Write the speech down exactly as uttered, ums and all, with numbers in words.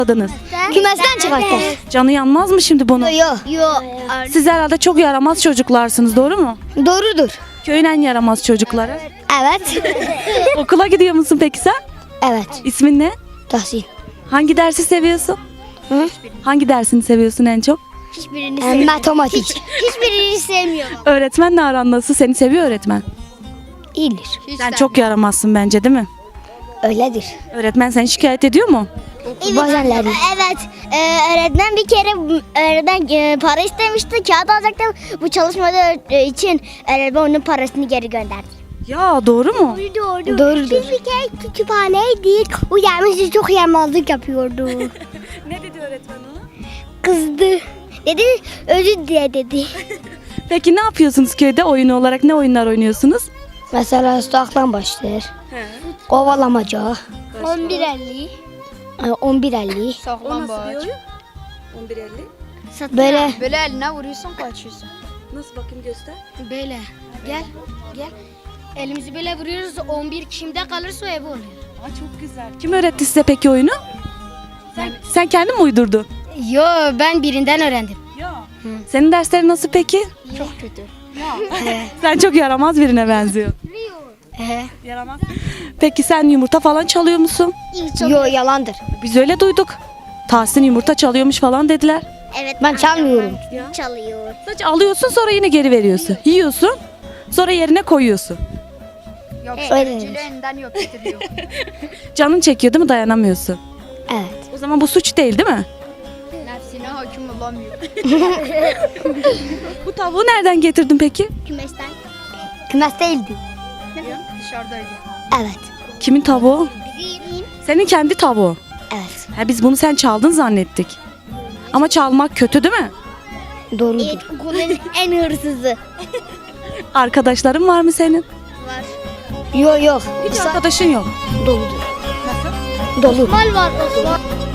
Adınız. Kümesten çıkarttı. Canı yanmaz mı şimdi bunu? Yok. Yok. Siz herhalde çok yaramaz çocuklarsınız, doğru mu? Doğrudur. Köyün en yaramaz çocukları. Evet. Okula gidiyor musun peki sen? Evet. İsmin ne? Tahsin. Hangi dersi seviyorsun? Hı? Hangi dersini seviyorsun en çok? Hiçbirini sevmiyorum. Matematik. Hiçbirini sevmiyorum. Öğretmenle aran nasıl? Seni seviyor öğretmen. İyidir. Sen çok yaramazsın bence, değil mi? Öyledir. Öğretmen seni şikayet ediyor mu? Bazenleri. Evet. Ee, öğretmen bir kere öğretmen e, para istemişti. Kağıt alacaktı. Bu çalışmadığı için öğretmen onun parasını geri gönderdi. Ya doğru mu? Doğru. Doğrudur. Biz bir kere kütüphaneydik. O gelmişti çok yaramazlık yapıyordu. Ne dedi öğretmen ona? Kızdı. Dedi özür dile dedi. Peki ne yapıyorsunuz köyde oyunu olarak? Ne oyunlar oynuyorsunuz? Mesela sokaktan başlar. Kovalamaca. on bir elli. on bir elli. Saklambaç. on bir elli. Böyle. Böyle eline vuruyorsun kaçıyorsun. Nasıl, bakayım göster. Böyle. Gel. Gel. Elimizi böyle vuruyoruz. on bir kimde kalırsa o evi oluyor. Aa, çok güzel. Kim öğretti size peki oyunu? Sen, sen kendin mi uydurdun? Yo, ben birinden öğrendim. Ya. Senin derslerin nasıl peki? Çok kötü. Sen çok yaramaz birine benziyorsun. Ee, Yaramaz. Peki sen yumurta falan çalıyor musun? Yo yalandır. Biz öyle duyduk. Tahsin yumurta çalıyormuş falan dediler. Evet. Ben çalmıyorum. Çalıyor. Sadece alıyorsun, sonra yine geri veriyorsun. Yiyorsun, sonra yerine koyuyorsun. Yok Öyle. elinden yok getiriyor. Canın çekiyor değil mi, dayanamıyorsun? Evet. O zaman bu suç değil, değil mi? Nefsine hakim olamıyor. Bu tavuğu nereden getirdin peki? Kümesten. Kümes değildi. Dışarıdaydı. Evet. Kimin tavuğu? Senin kendi tavuğu. Evet. Ha, biz bunu sen çaldın zannettik. Ama çalmak kötü değil mi? Doğrudur. Evet, okulun en hırsızı. Arkadaşların var mı senin? Var. Yok yok. Hiç arkadaşın yok. Doludur. Nasıl? Dolu. Osman var Osman.